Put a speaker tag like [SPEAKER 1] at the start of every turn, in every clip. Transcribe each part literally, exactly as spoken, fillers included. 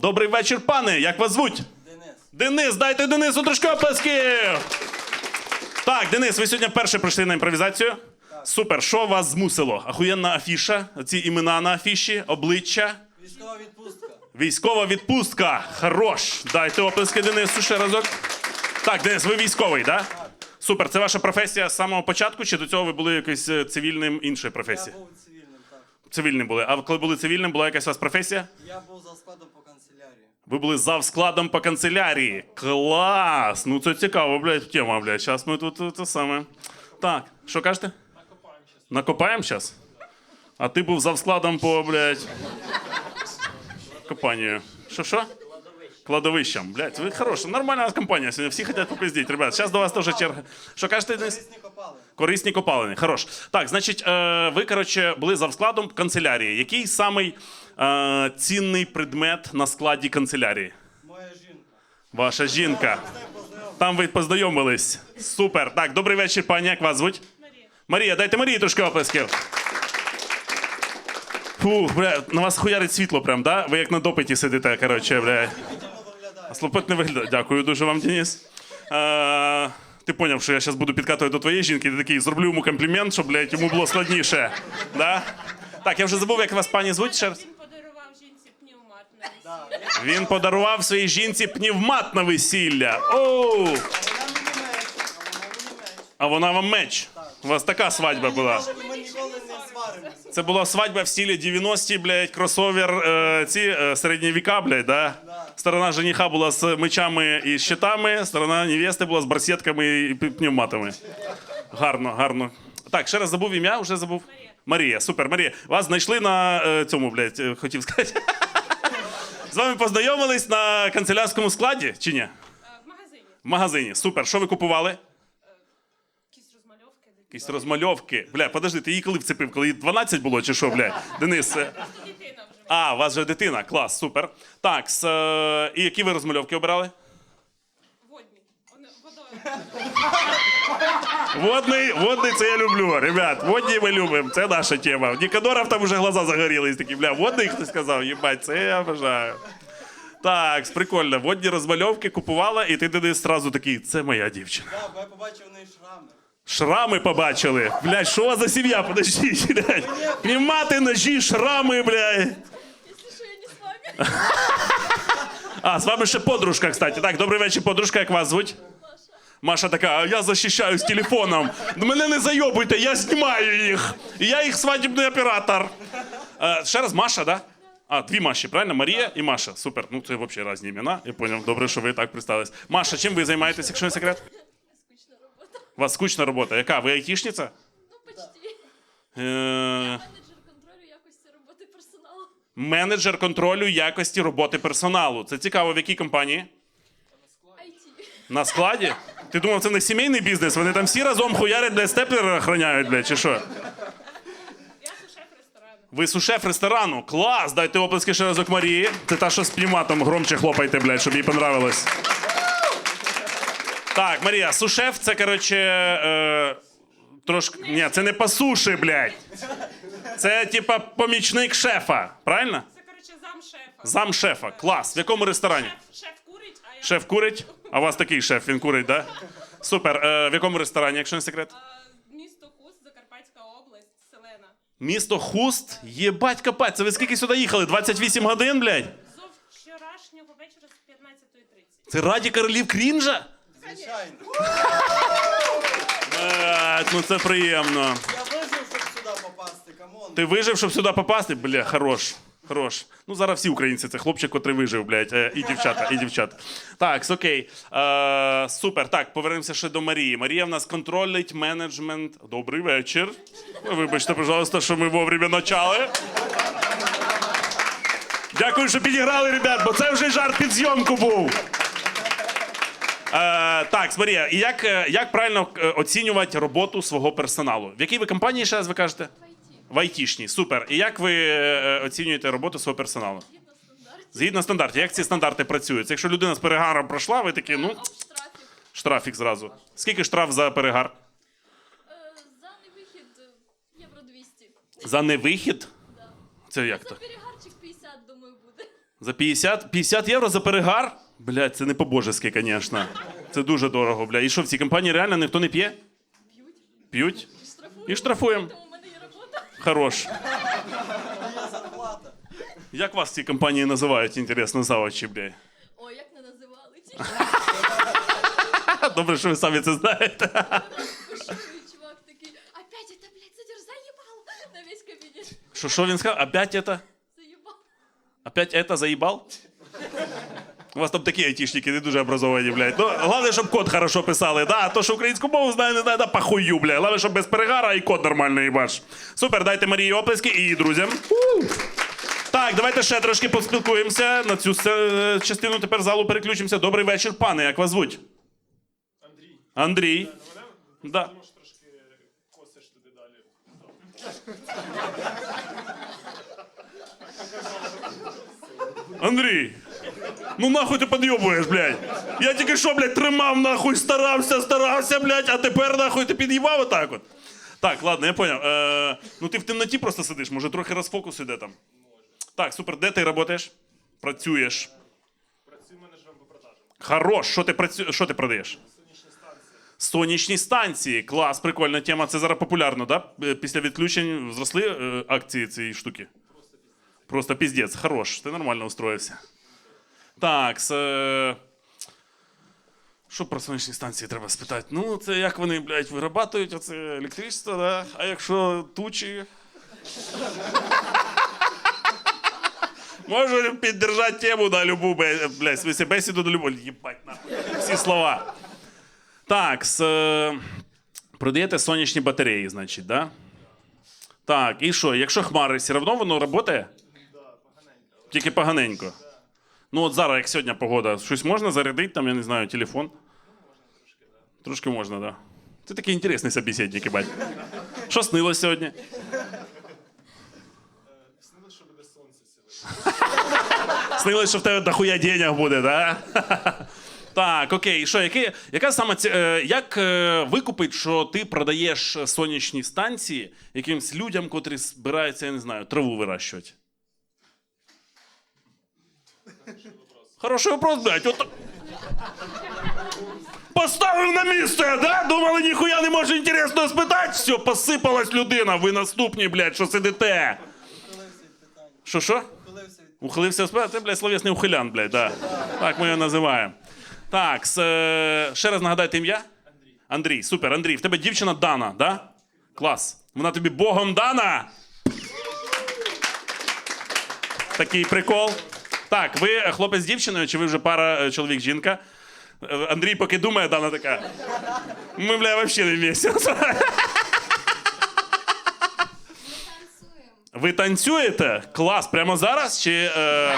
[SPEAKER 1] Добрий вечір, пане. Як вас звуть?
[SPEAKER 2] Денис.
[SPEAKER 1] Денис, дайте Денису трошки оплесків! Так, Денис, ви сьогодні вперше прийшли на імпровізацію?
[SPEAKER 2] Так.
[SPEAKER 1] Супер. Що вас змусило? Ахуєнна афіша, ці імена на афіші, обличчя.
[SPEAKER 2] Військова відпустка.
[SPEAKER 1] Військова відпустка. Хорош. Дайте оплески Денису ще разок. Так, Денис, ви військовий, так?
[SPEAKER 2] Так.
[SPEAKER 1] Супер. Це ваша професія з самого початку, чи до цього ви були якось е, цивільним іншої
[SPEAKER 2] Я
[SPEAKER 1] професії?
[SPEAKER 2] був цивільним, так.
[SPEAKER 1] Цивільним були. А коли були цивільним, була якась у вас професія?
[SPEAKER 2] Я був за складом по канцелярії.
[SPEAKER 1] Ви були завскладом по канцелярії. Клас! Ну це цікаво, блядь, тема, блядь. Зараз ми тут це саме. Так, що кажете? Накопаємо зараз. Накопаємо зараз? А ти був завскладом по, блядь, компанію. Що-що? Кладовищем. Блядь, ви хороша, нормальна у нас компанія сьогодні. Всі хочуть попиздіть, ребят. Зараз до вас теж черга. Що кажете, Денис?
[SPEAKER 2] Корисні копали.
[SPEAKER 1] Корисні копалини. Хорош. Так, значить, е, ви, коротше, були завскладом канцелярії. Який самий е, цінний предмет на складі канцелярії?
[SPEAKER 2] Моя жінка.
[SPEAKER 1] Ваша жінка.
[SPEAKER 2] З нею познайомився.
[SPEAKER 1] Там ви познайомились. Супер. Так, добрий вечір, пані. Як вас звуть?
[SPEAKER 3] Марія.
[SPEAKER 1] Марія, дайте Марії трошки оплесків. Фух, бля, на вас хуярить світло прям, да? Ви як на допиті сидите, коротше, бля.
[SPEAKER 2] Дійсно виглядає.
[SPEAKER 1] Слопот не виглядає. Дякую дуже вам, Денис. Е, ти поняв, що я зараз буду підкатувати до твоєї жінки, ти такий, зроблю йому комплімент, щоб, блядь, йому було складніше. Да? Так, я вже забув, як вас пані звуть ще раз.
[SPEAKER 3] Він подарував жінці пневмат на
[SPEAKER 2] Да.
[SPEAKER 3] весілля.
[SPEAKER 1] Він подарував своїй жінці пневмат на весілля. Оу!
[SPEAKER 2] А вона мені меч.
[SPEAKER 1] А
[SPEAKER 2] А вона мені меч.
[SPEAKER 1] вона вам меч. У вас така свадьба була.
[SPEAKER 2] І ми ніколи не сваримося.
[SPEAKER 1] Це була свадьба в стилі дев'яності, блядь, кросовер, е, ці е, середні віка, блядь, да?
[SPEAKER 2] Да.
[SPEAKER 1] Сторона жениха була з мечами і щитами, сторона невести була з барсетками і пі- пневматами. Гарно, гарно. Так, ще раз забув ім'я, вже забув.
[SPEAKER 3] Марія.
[SPEAKER 1] Марія, супер, Марія. Вас знайшли на е, цьому, блядь, е, хотів сказати. З вами познайомились на канцелярському складі, чи ні?
[SPEAKER 3] Е, В магазині.
[SPEAKER 1] В магазині. Супер. Що ви купували?
[SPEAKER 3] Якісь розмальовки.
[SPEAKER 1] Якісь розмальовки. Бля, подожди, ти її коли вцепив? Коли їй дванадцять було, чи що, бля? Денис. е,
[SPEAKER 3] Просто дитина вже.
[SPEAKER 1] А, у вас вже дитина, клас, супер. Так, с, е, і які ви розмальовки обирали?
[SPEAKER 3] Водні. Вони водою.
[SPEAKER 1] Водний, водний, це я люблю, ребят. Водні ми любимо, це наша тема. В Нікодоров там вже глаза загорілись, такі, бля, водний хтось сказав, їбать, це я бажаю. Так, прикольно, водні розмальовки купувала, і ти Денис одразу такий, це моя дівчина.
[SPEAKER 2] Да, бо я побачив в неї шрами.
[SPEAKER 1] Шрами побачили. Блядь, що у вас за сім'я? Подождіть, блядь. Пнімати, ножі, шрами, блядь.
[SPEAKER 3] Якщо що, я не з вами.
[SPEAKER 1] А, з вами ще подружка, кстати. Так, добрий вечір, подружка, як вас звуть? Маша така, а я захищаюсь телефоном. Мене не зайобуйте, я знімаю їх. І я їх свадібний оператор. Е, ще раз Маша, да? А, дві Маші, правильно? Марія і Маша. Супер. Ну, це взагалі різні імена. Я зрозумів. Добре, що ви так представились. Маша, чим ви займаєтесь, якщо не секрет?
[SPEAKER 3] Скучна робота.
[SPEAKER 1] У вас скучна робота. Яка? Ви айтішниця?
[SPEAKER 3] Ну, почти.
[SPEAKER 1] Е,
[SPEAKER 3] Менеджер контролю якості роботи персоналу.
[SPEAKER 1] менеджер контролю якості роботи персоналу. Це цікаво, в якій компанії?
[SPEAKER 3] ай ті.
[SPEAKER 1] На складі? Ти думав, це не сімейний бізнес? Вони там всі разом хуярять, де степлери охороняють, блядь, чи що?
[SPEAKER 3] Я сушеф ресторану.
[SPEAKER 1] Ви сушеф ресторану. Клас! Дайте оплески ще разок Марії. Це та, що з пневматом громче хлопайте, блядь, щоб їй понравилось. Так, Марія, сушеф це, коротше, е, трошки... Ні, це не по суші, блядь. Це, типа, помічник шефа. Правильно?
[SPEAKER 3] Це, коротше, зам шефа.
[SPEAKER 1] Зам шефа. Клас. В якому ресторані?
[SPEAKER 3] Шеф, шеф курить, а я...
[SPEAKER 1] Шеф курить? А у вас такий шеф, він курить, да? Супер. Е, в якому ресторані, якщо не секрет?
[SPEAKER 3] А, Місто Хуст, Закарпатська область, Селена.
[SPEAKER 1] Місто Хуст? Єбать капать. Це ви скільки сюди їхали? двадцять вісім годин, блядь?
[SPEAKER 3] Зо вчорашнього вечора з п'ятнадцятої тридцять.
[SPEAKER 1] Це раді королів крінжа?
[SPEAKER 2] Звичайно.
[SPEAKER 1] Блядь, ну це приємно.
[SPEAKER 2] Я вижив, щоб сюди попасти, камон.
[SPEAKER 1] Ти вижив, щоб сюди попасти? Бля, хорош. Хорош. Ну зараз всі українці, це хлопчик, котрий вижив, блядь. Е, і дівчата, і дівчата. Так, окей. Е, супер. Так, повернемося ще до Марії. Марія в нас контролить менеджмент. Добрий вечір. Вибачте, пожалуйста, що ми вовремя почали. Дякую, що підіграли, ребят, бо це вже жарт під зйомку був. Е, так, Марія, і як, е, як правильно е, оцінювати роботу свого персоналу? В якій ви компанії, ще раз ви кажете?
[SPEAKER 3] В ай ті.
[SPEAKER 1] В айтішній, супер. І як ви е, оцінюєте роботу свого перегалу?
[SPEAKER 3] Згідно стандартів.
[SPEAKER 1] Згідно стандартів. Як ці стандарти працюють? Якщо людина з перегаром пройшла, ви такі, ну,
[SPEAKER 3] Штрафів.
[SPEAKER 1] штрафік зразу. Скільки штраф за перегар?
[SPEAKER 3] Е, За невихід е, євро двісті.
[SPEAKER 1] За невихід?
[SPEAKER 3] Да.
[SPEAKER 1] Це як
[SPEAKER 3] За
[SPEAKER 1] то?
[SPEAKER 3] перегарчик п'ятдесят, думаю, буде.
[SPEAKER 1] За п'ятдесят? п'ятдесят євро за перегар? Блядь, це не по-божески, звісно. Це дуже дорого, бля. І що, в цій компанії реально ніхто не п'є?
[SPEAKER 4] П'ють.
[SPEAKER 1] П'ють? І штрафуємо.
[SPEAKER 4] Тому в мене є робота.
[SPEAKER 1] Хорош.
[SPEAKER 2] Є зарплата.
[SPEAKER 1] Як вас в цій компанії називають, інтересно, заводчі, блядь?
[SPEAKER 4] Ой, як не називали ті.
[SPEAKER 1] Добре, що ви самі це знаєте.
[SPEAKER 4] Пошує чувак такий, опять это, блядь, задер заебал на весь кабінет.
[SPEAKER 1] Що, що він сказав? Опять это?
[SPEAKER 4] Заебал.
[SPEAKER 1] Опять это заїбал? У вас там такі айтішники, не дуже образовані, блядь. Ну, головне, щоб код хорошо писали, да? А то, що українську мову знає, не знає, да похую, блядь. Головне, щоб без перегара і код нормально їбаш. Супер, дайте Марії оплески і її друзям. У! Так, давайте ще трошки поспілкуємося. На цю е, частину тепер залу переключимося. Добрий вечір, пане, як вас звуть?
[SPEAKER 5] Андрій.
[SPEAKER 1] Андрій.
[SPEAKER 5] Мене
[SPEAKER 1] Да.
[SPEAKER 5] можеш трошки косиш туди далі.
[SPEAKER 1] Андрій, ну нахуй ти підйобуєш, блядь. Я тільки що, блядь, тримав, нахуй, старався, старався, блядь, а тепер, нахуй, ти під'їбав отак от. Так, ладно, я поняв. Е, ну ти в темноті просто сидиш, може трохи розфокус іде там. Так, супер, де ти працюєш? Працюєш.
[SPEAKER 5] Працюю менеджером по продажам.
[SPEAKER 1] Хорош, що ти, працю... що ти продаєш?
[SPEAKER 5] Сонячні станції.
[SPEAKER 1] Сонячні станції. Клас, прикольна тема. Це зараз популярно, да? Е, Після відключень зросли е, акції цієї штуки? Просто піздець. Хорош, ти нормально устроївся. Так, с... е, що про сонячні станції треба спитати? Ну, це як вони, блядь, вирабатують оце електричество, да? А якщо тучі? Можу піддержати тему на любу, бе- блядь, в смысле, бесіду на любу. Єбать, нахуй. Всі слова. Так, с... е, продаєте сонячні батареї, значить, да? Так, і що, якщо хмари, все одно воно працює? Тільки поганенько. Ну от зараз, як сьогодні погода, щось можна зарядити, там, я не знаю, телефон? Трошки можна, так. Да. Ти такий інтересний собеседник, бать. Що снилось сьогодні?
[SPEAKER 5] Снилось, що буде сонце сьогодні.
[SPEAKER 1] Снилось, що в тебе дохуя денег буде, да? Так, окей, що, які, яка саме ці, е, як е, викупить, що ти продаєш сонячні станції якимсь людям, котрі збираються, я не знаю, траву вирощувати? Хороший вопрос, блядь. От... Поставив на місце, да? Думали, ніхуя не може інтересного спитати? Все, посипалась людина, ви наступні, блядь, що сидите.
[SPEAKER 2] Ухилився від питання.
[SPEAKER 1] Що, що?
[SPEAKER 2] Ухилився від
[SPEAKER 1] Ухилився спитати? Ти, блядь, словесний ухилян, блядь, да. Так ми його називаємо. Так, с, е, ще раз нагадайте ім'я? Андрій. Андрій, супер, Андрій. В тебе дівчина Дана, да? Клас. Вона тобі Богом дана? Такий прикол. Так, ви хлопець з дівчиною, чи ви вже пара е, чоловік-жінка? Е, Андрій поки думає, Дана така. Ми, бля, взагалі не вместе.
[SPEAKER 4] Танцюємо.
[SPEAKER 1] Ви танцюєте? Клас, прямо зараз? Чи, е...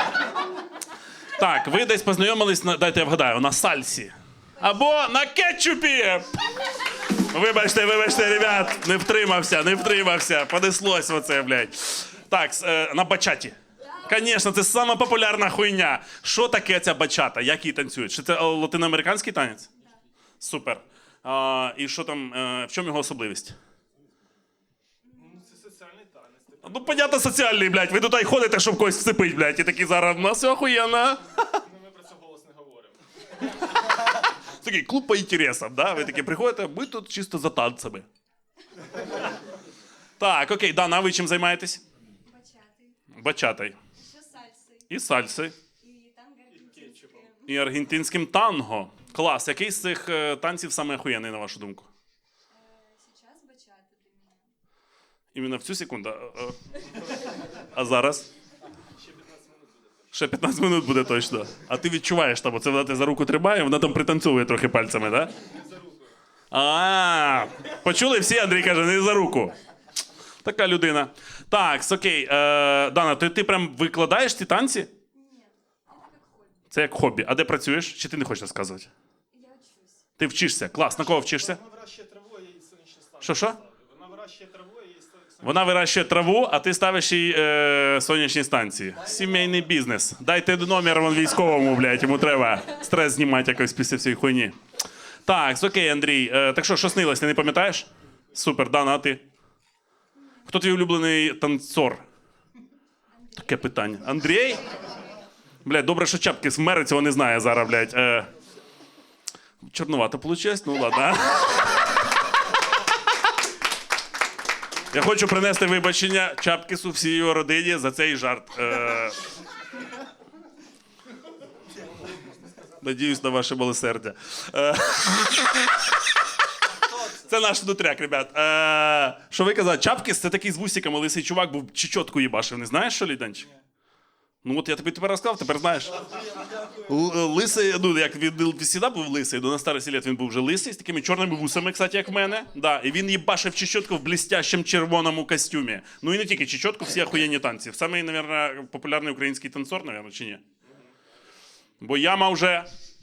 [SPEAKER 1] Так, ви десь познайомились, на... дайте я вгадаю, на сальсі. Або на кетчупі! Вибачте, вибачте, ребят, не втримався, не втримався, понеслось оце, блядь. Так, с- е, на бачаті. Звісно, це сама популярна хуйня. Що таке ця бачата? Як її танцюють? Чи це е, латиноамериканський танець? Супер. А, і що там, е, в чому його особливість?
[SPEAKER 5] Ну, це соціальний танець. Типу,
[SPEAKER 1] Ну, понятно, соціальний, блядь. Ви тут й ходите, щоб когось всипить, блядь. І такі зараз, у нас все охуєнно.
[SPEAKER 5] ну, ми про це голос не говоримо.
[SPEAKER 1] Такий клуб по інтересам, да? Ви такі приходите, ми тут чисто за танцями. Так, окей, Дана, а ви чим займаєтесь?
[SPEAKER 4] Бачати.
[SPEAKER 1] Бачатой.
[SPEAKER 4] Ще сальси.
[SPEAKER 1] І сальси.
[SPEAKER 4] І танго аргентинське.
[SPEAKER 1] І аргентинським танго. Клас. Який з цих е, танців саме охуєнний, на вашу думку?
[SPEAKER 4] Сейчас бачати для мене.
[SPEAKER 1] Іменно в цю секунду. А, а- а зараз? Ще п'ятнадцять минут буде точно. А ти відчуваєш там, оце вона тебе за руку тримає, вона там пританцьовує трохи пальцями, так? Да? А, почули всі, Андрій каже, не за руку. Така людина. Так, окей. Е, Дана, ти, ти прям викладаєш ці танці?
[SPEAKER 4] Ні, це як хобі.
[SPEAKER 1] Це як хобі. А де працюєш? Чи ти не хочеш розказувати?
[SPEAKER 4] Я вчусь.
[SPEAKER 1] Ти вчишся. Клас. На кого вчишся?
[SPEAKER 5] Вона вирощує траву, а я їй сонячні станції.
[SPEAKER 1] Що, що?
[SPEAKER 5] ставлю. Вона вирощує траву, а я їй сонячні.
[SPEAKER 1] Вона вирощує траву, а ти ставиш їй е, сонячні станції. Сімейний бізнес. Дайте номер вон військовому, блядь, йому треба стрес знімати якось після всієї хуйні. Так, окей, Андрій. Е, так що, що снилось, ти не пам'ятаєш? Супер, Дана, а ти? Хто твій улюблений танцор? Таке питання. Андрій? Блядь, добре, що чапки з мери цього не знає зараз, блядь. Е... Чорновато получилось? Ну ладно. Я хочу принести вибачення Чапкісу всій його родині за цей жарт. Е... Надіюсь на ваше милосердя. Е... Це наш внутряк, ребят. Е... Що ви казали? Чапкіс — це такий з вусиками лисий чувак, був чечотку їбашив. Не знаєш, що, Ліданчик? Ну от я тобі тепер розказав, тепер знаєш. Л- Лисий, ну як він завжди був лисий, до на старості літ він був вже лисий, з такими чорними вусами, кстати, як в мене. Да, і він їбашив чечотку в блістящому червоному костюмі. Ну і не тільки чечотку, всі охуєнні танці. Самий, мабуть, популярний український танцор, мабуть, чи ні? Бо яма вже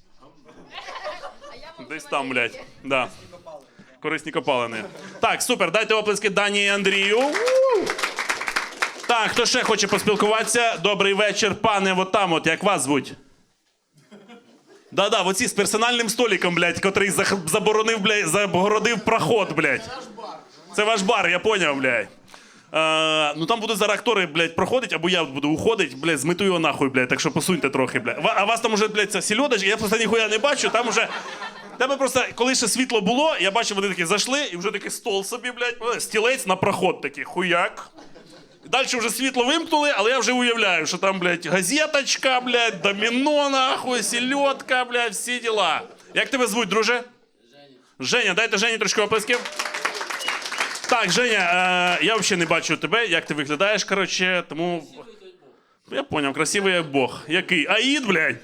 [SPEAKER 4] А я вам
[SPEAKER 1] десь
[SPEAKER 4] вже
[SPEAKER 1] там,
[SPEAKER 4] маленький.
[SPEAKER 1] блядь. Да. Корисні копалини. Так, супер, дайте оплески Дані і Андрію. У! Так, хто ще хоче поспілкуватися? Добрий вечір, пане, от там, от, як вас звуть? Да-да, оці з персональним столиком, блядь, котрий зах- заборонив, блядь, загородив проход, блядь. Це ваш бар, я поняв, блядь. Е, ну там будуть зараз актори, блядь, проходить, або я буду уходить, блядь, змету його нахуй, блядь, так що посуньте трохи, блядь. Ва- А вас там уже, блядь, ця сільодочка, я просто ніхуя не бачу, там уже... Тебе просто, коли ще світло було, я бачив, вони такі зайшли, і вже такий стол собі, блядь, стілець на проход такий, хуяк. Далі вже світло вимкнули, але я вже уявляю, що там, блядь, газеточка, блядь, доміно, нахуй, сільотка, блядь, всі діла. Як тебе звуть, друже? Женя. Женя, дайте Жені трошки оплесків. Так, Женя, е, я взагалі не бачу тебе, як ти виглядаєш, коротше, тому... Я поняв, красивий як Бог. Який? Аїд, блядь?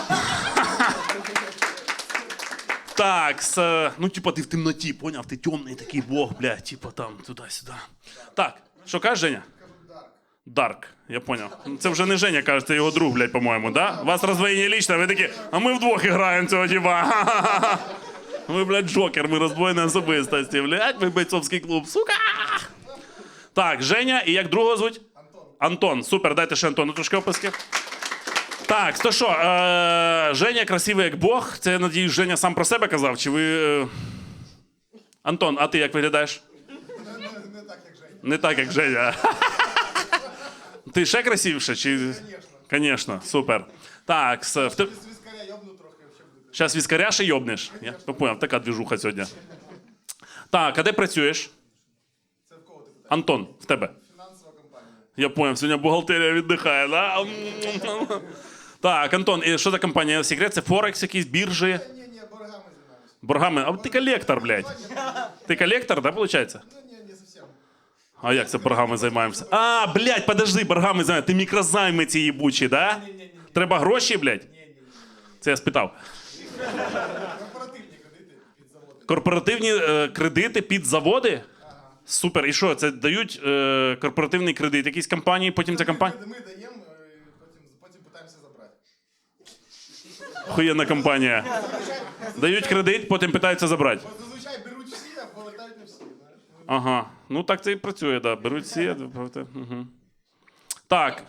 [SPEAKER 1] Так, с, ну, типа, ти в темноті, поняв? Ти темний такий Бог, блядь, типа там, туди-сюди. Так, що кажеш, Женя? Дарк, я понял. Це вже не Женя, каже, це його друг, блядь, по-моєму, да? У вас роздвоєння лічне, ви такі, а ми вдвох граємо цього, типа. Ха-ха-ха. Ви, блядь, Джокер, ми роздвоєні особистості, блядь, ми бойцовський клуб, сука. Так, Женя, і як другого звуть? Антон. Антон, супер, дайте ще Антону трошки описки. Так, то що, е- Женя красивий як Бог, це, я надіюсь, Женя сам про себе казав, чи ви... е, Антон, а ти як виглядаєш?
[SPEAKER 6] Не так, як Женя.
[SPEAKER 1] Не так, як Женя. Ти ще красивіше? Чи...
[SPEAKER 6] Звісно.
[SPEAKER 1] Звісно, супер. Так, с... в те...
[SPEAKER 6] З віскаря йобну трохи, ще буде.
[SPEAKER 1] зараз віскаря ще йобнеш? Я поняв, така двіжуха сьогодні. Так, а де працюєш?
[SPEAKER 6] Це в кого ти питаєш?
[SPEAKER 1] Антон, в тебе.
[SPEAKER 6] Фінансова компанія.
[SPEAKER 1] Я поняв, сьогодні бухгалтерія віддихає, да? Так, Антон, і що за компанія? Секрет, це Форекс якісь, біржі?
[SPEAKER 6] Ні, ні, боргами займаюся.
[SPEAKER 1] Боргами? А ти колектор, блядь. Ти колектор, да, виходить?
[SPEAKER 6] Ну, ні, не зовсім.
[SPEAKER 1] А як це боргами займаємося? А, блядь, подожди, боргами займаємося. Ти мікрозайми ці їбучі, да? Треба гроші, блядь? Це я спитав.
[SPEAKER 6] Корпоративні кредити під заводи.
[SPEAKER 1] Корпоративні е, кредити під заводи? Супер. І що, це дають е, корпоративний кредит якійсь компанії, потім ця компанія?
[SPEAKER 6] Ми, ми даємо, е, потім, потім питаємося забрати.
[SPEAKER 1] Охуєнна компанія. Дають кредит, потім питаються забрати.
[SPEAKER 6] Бо зазвичай беруть всі, а повертають не всі. Знаєш?
[SPEAKER 1] Ага. Ну так це і працює, да. Беруть всі. Угу. Так.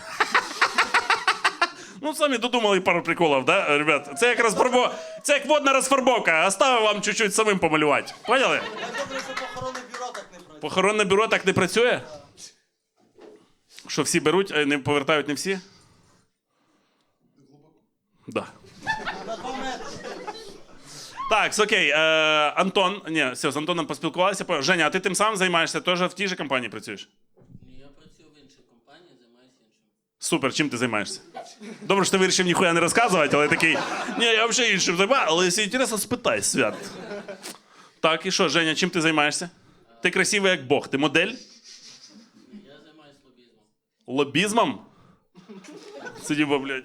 [SPEAKER 1] Ну, самі додумали пару приколів, да, ребят? Це як розфарбо... Це як водна розфарбовка. Оставив вам чуть-чуть самим помалювати. Поняли?
[SPEAKER 2] Я добре, що похоронне бюро так не працює.
[SPEAKER 1] Похоронне бюро так не працює? Що всі беруть, а не повертають не всі? Да.
[SPEAKER 2] На два метри.
[SPEAKER 1] Так, окей. Е, Антон, ні, все, з Антоном поспілкувалися. По- Женя, а ти тим самим займаєшся? Теж в тій же компанії працюєш?
[SPEAKER 7] Ні, я працюю в іншій компанії, займаюся іншим.
[SPEAKER 1] Супер, чим ти займаєшся? Добре, що ти вирішив ніхуя не розказувати, але такий, ні, я взагалі іншим займаюся, але якщо інтересно, спитай, Свят. Так, і що, Женя, чим ти займаєшся? Ти красивий як Бог, ти модель?
[SPEAKER 7] Я займаюся лобізмом.
[SPEAKER 1] Лобізмом? Сидімо, блядь.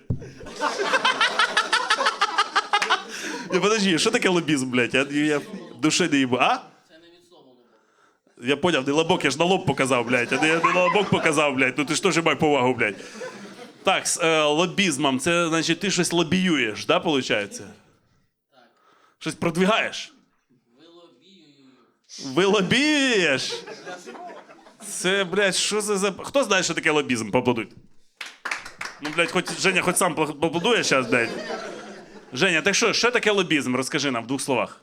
[SPEAKER 1] Я, подожди, що таке лобізм, блядь? Я, я в душі не їбу. А?
[SPEAKER 7] Це не від слова лобок.
[SPEAKER 1] Я поняв, не лобок, я ж на лоб показав, блядь. Я не, я не на лобок показав, блядь. Ну ти ж теж май повагу, блядь. Так, з е, лобізмом, це значить ти щось лобіюєш, да, виходить?
[SPEAKER 7] Так.
[SPEAKER 1] Щось продвигаєш?
[SPEAKER 7] Ви лобіюю.
[SPEAKER 1] Ви лобієш? Це, блядь, що це за... Хто знає, що таке лобізм? Поаплодуйте. Ну, блядь, хоч Женя хоч сам поаплодує зараз, блядь. Женя, так що, що таке лобізм? Розкажи нам в двох словах.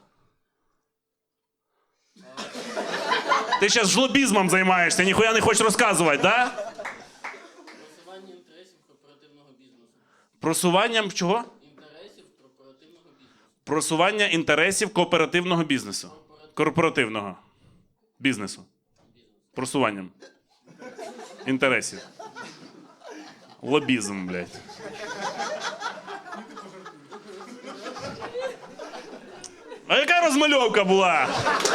[SPEAKER 1] Ти зараз жлобізмом займаєшся, ніхуя не хочеш розказувати, да?
[SPEAKER 7] Просування інтересів корпоративного бізнесу.
[SPEAKER 1] Просуванням чого?
[SPEAKER 7] Інтересів корпоративного бізнесу.
[SPEAKER 1] Просування інтересів кооперативного бізнесу. Корпоративного бізнесу. Просуванням інтересів. Лобізм, блядь. А яка розмальовка була?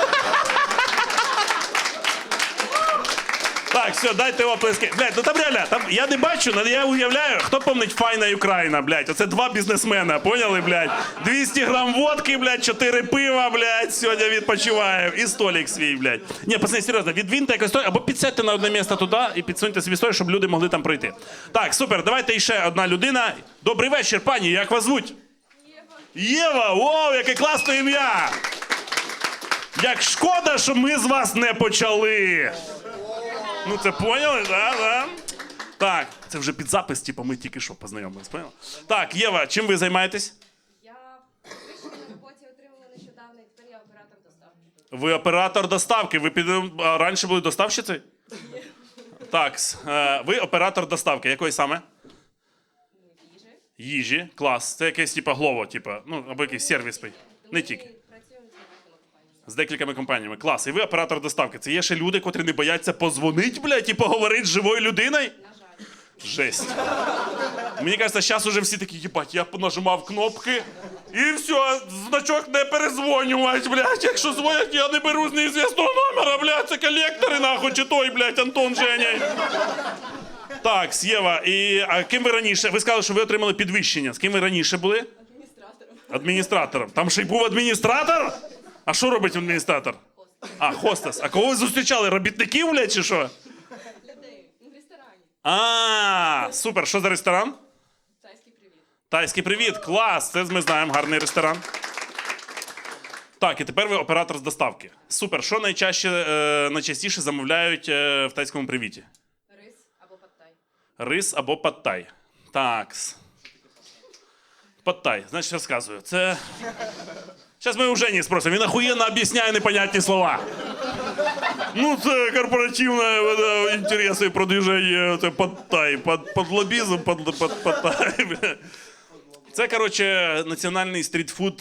[SPEAKER 1] Так, все, дайте оплески. Блядь, ну там реально, там, я не бачу, але я уявляю, хто помнить Файна Україна, блядь. Оце два бізнесмена, поняли, блядь? двісті грам водки, блядь, чотири пива, блядь, сьогодні відпочиваю. І столик свій, блядь. Ні, пацани, серйозно, відвіньте якось той, або підсядьте на одне місце туди і підсуньте собі столик, щоб люди могли там пройти. Так, супер, давайте іще одна людина. Добрий вечір, пані, як вас звуть? Єва, вау, яке класне ім'я! Як шкода, що ми з вас не почали. Ну це поняли, да, да? Так, це вже під запис, типу, ми тільки що познайомились, поняли? Так, Єва, чим ви займаєтесь?
[SPEAKER 4] Я вищу на роботі отримала нещодавно, і тепер я оператор доставки.
[SPEAKER 1] Ви оператор доставки, ви під... а раніше були доставщицею? Так, с- е, ви оператор доставки, якої саме?
[SPEAKER 4] Їжі.
[SPEAKER 1] Їжі, клас. Це якесь, типу, глово, типу, ну, або якийсь сервіс. Не тільки.
[SPEAKER 4] Ми працюємо з багатьма компаніями.
[SPEAKER 1] З декількома компаніями. Клас. І ви оператор доставки. Це є ще люди, котрі не бояться позвонить, блядь, і поговорити з живою людиною?
[SPEAKER 4] На жаль.
[SPEAKER 1] Жесть. Мені кажется, зараз уже всі такі, їбать, я нажимав кнопки, і все, значок не перезвонювати, блядь. Якщо дзвонять, я не беру з неізвісного номера, блядь, це колектори, нахуй, чи той, блядь, Антон Женя. Так, Єва, і а ким ви раніше? Ви сказали, що ви отримали підвищення. З ким ви раніше були?
[SPEAKER 4] Адміністратором.
[SPEAKER 1] Адміністратором. Там ще й був адміністратор? А що робить адміністратор? А, хостес. А кого ви зустрічали? Робітників, блядь, чи що?
[SPEAKER 4] Людей. Ну, в ресторані.
[SPEAKER 1] А, супер. Що за ресторан?
[SPEAKER 4] Тайський привіт.
[SPEAKER 1] Тайський привіт, клас! Це ми знаємо, гарний ресторан. Так, і тепер ви оператор з доставки. Супер. Що найчаще, е, найчастіше замовляють е, в тайському привіті?
[SPEAKER 4] Рис або паттай.
[SPEAKER 1] Рис або паттай. Так. Паттай. Значить, розказую. Це... Зараз ми у Жені спросимо. Він охуєнно об'ясняє непонятні слова. Ну, це корпоративне е, інтереси продвіження, це паттай, под, под лобізм, под, под, паттай. бля. Це, коротше, національний стрітфуд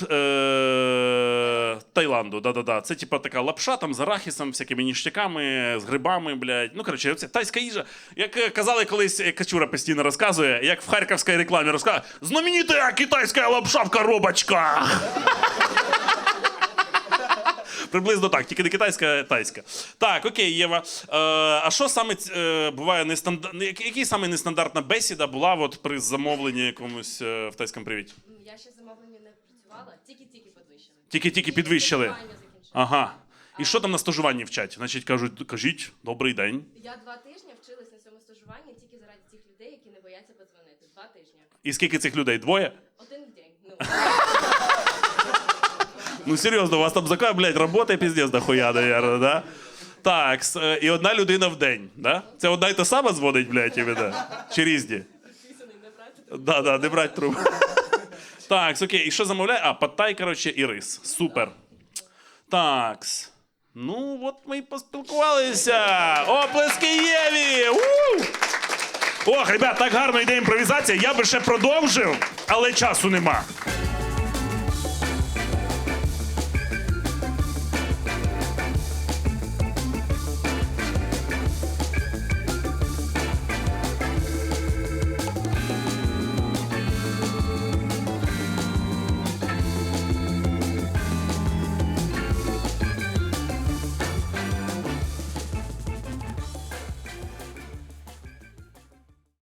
[SPEAKER 1] е- Таїланду. Да-да-да. Це, типа, така лапша там з арахісом, всякими ніштяками, з грибами, блядь. Ну, коротше, це тайська їжа. Як е, казали колись, як Качура постійно розказує, як в харківській рекламі розказує, знаменита китайська лапша в коробочках. Приблизно так, тільки не китайська, а тайська. Так, окей, Єва. Е, а що саме е, буває нестандарт... Який саме нестандартна бесіда була от при замовленні якомусь е, в тайському привіті?
[SPEAKER 4] Ну, я ще замовлення не працювала, тільки-тільки підвищили.
[SPEAKER 1] Тільки-тільки підвищили.
[SPEAKER 4] Стажування закінчила.
[SPEAKER 1] Ага. І що там на стажуванні вчать? Значить, кажуть, кажіть, добрий день.
[SPEAKER 4] Я два тижні вчилась на цьому стажуванні тільки заради тих людей, які не бояться подзвонити. Два тижні.
[SPEAKER 1] І скільки цих людей? Двоє?
[SPEAKER 4] Один в день. Ну,
[SPEAKER 1] Ну серйозно, у вас там така, блядь, робота піздець дохуя, наверное, да? Так, с- е, і одна людина в день, да? Це одна й та сама дзвонить, блядь, іменно? Чи різні?
[SPEAKER 4] підписаний не брати.
[SPEAKER 1] Да, да, не брать трубку. Так, окей, і що замовляє? А, паттай, коротше, і рис. Супер. Так. Ну, от ми і поспілкувалися. Оплески Єві! У! Ох, ребят, так гарно йде імпровізація. Я би ще продовжив, але часу нема.